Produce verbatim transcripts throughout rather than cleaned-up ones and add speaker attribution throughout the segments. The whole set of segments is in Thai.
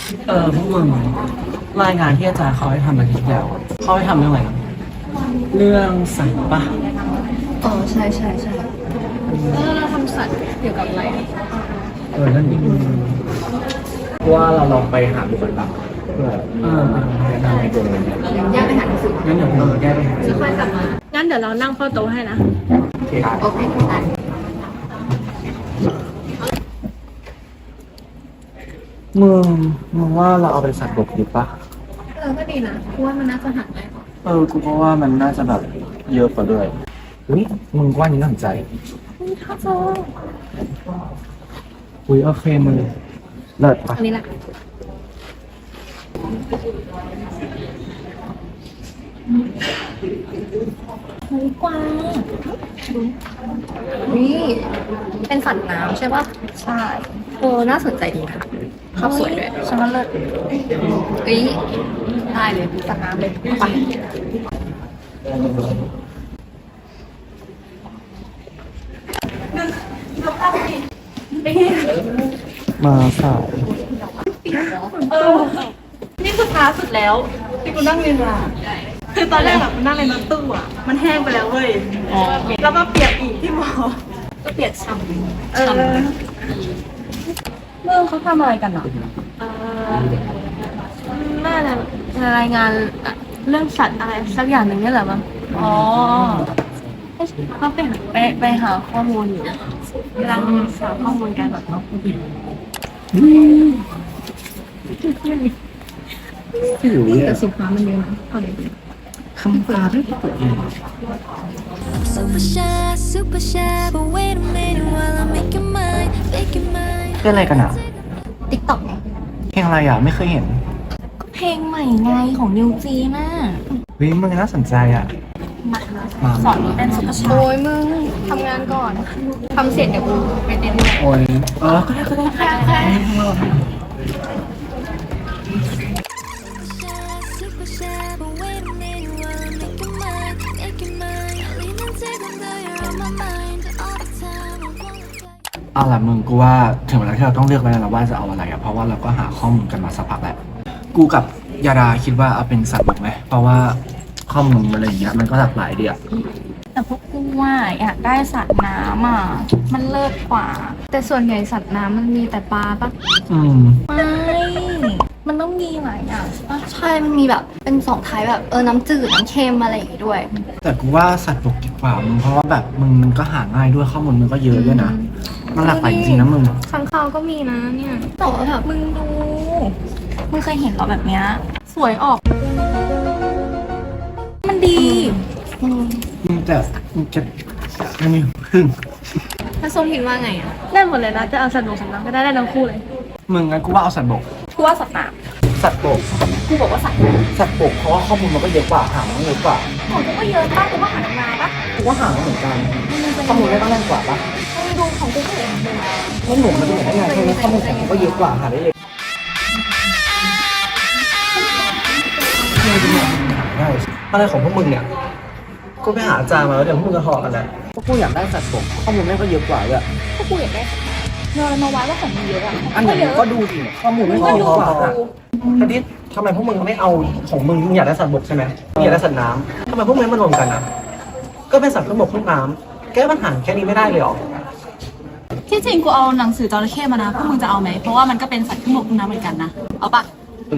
Speaker 1: เออพวกมึงรายงานที่อาจารย์เขาให้ทำอาทิตย์แล้วเขาให้ทำเรื่องอะไรนะเรื่องสัตว์ปะ
Speaker 2: อ๋อใช่ใช่ใช่แล้วเราทำสัตว์เกี่ยวกับอะไร
Speaker 1: เออนั่นดิว่าเราลองไปหาดูกันบ้างเพื่อเออแนะนำให้ตัวเอง
Speaker 2: แยกไปหาหนังสือ
Speaker 1: งั้นเดี๋ยวเราแยกไปหา
Speaker 2: จะค่อยกลับมางั้นเดี๋ยวเรานั่งเฝ้าโต๊ะให้นะ
Speaker 1: โอเคครับ
Speaker 2: โอเคได้
Speaker 1: มึงมึงว่าเราเอาเป็นสัตว์บกดีปะ
Speaker 2: เออก็ดีนะเพราะว่ามันน่าจะหาได้
Speaker 1: เออกูก็ว่ามันน่าจะแบบเยอะกว่าด้วยอุ้ยมึงว่านี้น่าสนใจ
Speaker 2: นี่ข้าวโพด
Speaker 1: อุ้ยโอเคมึงเลิศปะ
Speaker 2: อันนี้แหละเฮ้ยกวางนี่เป็นสัตว์น้ำใช่ปะใช่โอ้น่าสนใจดีค่ะภาพสวยด้วยฉันว่าเลิศเอ้ยได้เลยสัตว์น้ำเลยไป
Speaker 1: มาสาย
Speaker 3: เออนี่คือท้าสุดแล้วที่กูนั่งเรียนมาคือตอนแรกอะมันนั่งเรียนรถตู้อะมันแห้งไปแล้วเว้ยแล้วก็เปียกอีกที่มอ
Speaker 2: ก็เปียกฉ่ำ
Speaker 3: เออ
Speaker 2: เมื่อเขาทำอะไรกันอ่ะน่าจะรายงานเรื่องสัตว์อะไรสักอย่างหนึ่งนี่แหละมั้งอ๋อเขาไปไปไปหาข้อมูลอยู่กำลังหาข้อมูลกันแบบเนาะแต่สีฟ้ามันเยอะนะเอาเลย
Speaker 1: คำตาด้วยตัวเอง
Speaker 4: Super shy, super shy, but wait a minute while I make your mind, make your mind.
Speaker 1: เป็นอะไรกันอ่ะ
Speaker 2: ติ๊กต็อกไง
Speaker 1: เพลงอะไรอ่ะไม่เคยเห็น
Speaker 2: ก็เพลงใหม่ไงของนิวจีน่ะ
Speaker 1: วิมึงน่าสนใจอ่ะ
Speaker 2: มาสอนเต้นซุปเปอร์ชายโอ้ยมึงทำงานก่อนทำเสร็จเดี๋ยวกูไปเต้นด้วย
Speaker 1: โอ้ยเออก็ได้ก็ได้ก็ได้
Speaker 4: Super shy, but wait a minute while I make your mind, make your mind. Lean and take them though you're on my mind all the time. I wanna play.
Speaker 1: เอาล่ะมึงกูว่าถึงเวลาที่เราต้องเลือกแล้วนะว่าจะเอาอะไรอ่ะเพราะว่าเราก็หาข้อมูลกันมาสักพักแล้วกูกับยาดาคิดว่าเอาเป็นสัตว์บกไหมเพราะว่าข้อมูลอะไรอย่างเงี้ยมันก็หลากหลายดีอ่ะ
Speaker 2: แต่พวกกูว่าอยากได้สัตว์น้ำอ่ะมันเลิศกว่าแต่ส่วนใหญ่สัตว์น้ำมันมีแต่ปลาปะ
Speaker 1: อืม
Speaker 2: ไม่มันต้องมีหลายอย่างใช่มันมีแบบเป็นสองท้ายแบบเออน้ำจืดน้ำเค็มอะไรอย่างงี้ด้วย
Speaker 1: แต่กูว่าสัตว์บกดีกว่ามึงเพราะว่าแบบมึงมันก็หาง่ายด้วยข้อมูลมันก็เยอะด้วยนะมันหลากหลายจริงๆนะมึง
Speaker 2: ข้างคาวก็มีนะเนี่ยแต่ว่าแบบมึงดูมึงเคยเห็นเหรอแบบเนี้ยสวยออกมันดี
Speaker 1: มึงแต่มึงจะไม่มีพึ่ง
Speaker 2: ถ้าโซทินว่าไงอ่ะได้หมดเลยนะจะเอาสัตว์บกสัตว์น้ำก็ได้ได้ทั้งคู่เลย
Speaker 1: มึงงั้นกูว่าเอาสัตว์บก
Speaker 2: กูว่าสัตว์น้
Speaker 1: ำสัตว์บก
Speaker 2: กูบอกว่าสัตว์น้
Speaker 1: ำสัตว์บกเพราะว่าข้อมูลมันก็เยอะกว่าหางมันเยอะกว่า
Speaker 2: ของกูก็เยอะป่ะกูว่าหางนาป่ะ
Speaker 1: กูว่าหางมันเหมือนกันข้อมูลได้ต้องแน่นกว่าป่ะ
Speaker 2: มึงดูของกูก็เห็นเลย
Speaker 1: ไม่หนุ่มมันจะเหมือนได้ไงแค่นี้ข้อมูลของกูก็เยอะกว่าหาได้เลยอะไรของพวกมึงเนี่ยกูไปหาอาจารย์มาแล้วเดี๋ยวพวกมึงจะหอกันนะพวกกูอยากได้สัตว์บกข้อมูลแม่งก็เยอะกว่าด้วย
Speaker 2: พวกกูอยากได้เงินมาไว้ว่าของมึงเยอะอ่ะ
Speaker 1: อันไหนก็ดูดิข้อมูลไม่เยอะกว่าทีนี้ทำไมพวกมึงไม่เอาของมึงมึงอยากได้สัตว์บกใช่ไหมมึงอยากได้สัตว์น้ำทำไมพวกมึงไม่มารวมกันอ่ะก็เป็นสัตว์ทั้งบกทั้งน้ำแก้ปัญหาแค่นี้ไม่ได้เลยหรอ
Speaker 3: ที่จริงกูเอาหนังสือจระเข้มานะพวกมึงจะเอาไหมเพราะว่ามันก็เป็นสัตว์ทั้งบกทั้งน้ำเหมือนกันนะเอาปะ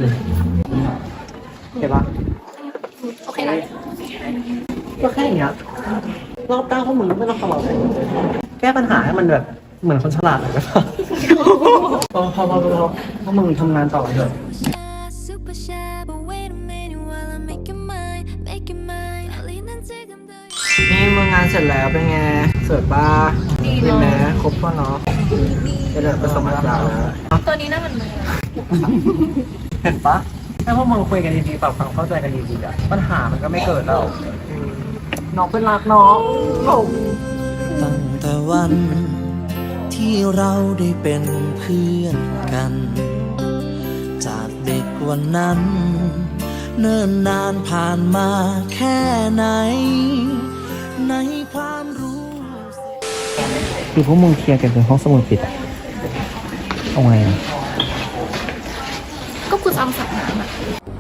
Speaker 1: เห็นปะ
Speaker 2: โอเคนะ
Speaker 1: ก็แค่อย่างเงี้ยรอบด้านพวกมึงไม่ต้องทำอะไรแก้ปัญหาให้มันแบบเหมือนคนฉลาดเลยป่ะพอพอพอพอพวกมึงทำงานต่อเถอะ
Speaker 4: Super shy, but wait a minute while I make your mind, make your mind. Lean and take them though you're
Speaker 1: นี่มึงงานเสร็จแล้วเป็นไงเสิร์ฟบ้าดีไหมครบป่ะเนาะจะเดินไปสมัครแล้ว
Speaker 2: ตัวนี้น่ามัน
Speaker 1: เห็นปะถ้าพวกมึงคุยกันดีๆปรับความเข้าใจกันดีๆอะปัญหามันก็ไม่เกิดแล้วน้องเป็นรักน้อง
Speaker 5: ตั้งแต่วันที่เราได้เป็นเพื่อนกัน จากเด็กวันนั้น เนิ่นนานผ่านมาแค่ไหน ในความรู้
Speaker 1: คือพวกมึงเคลียร์กันในห้องสมุดปิดเอาไงอะ
Speaker 3: กูจะเอาสัตว์น้ำอะ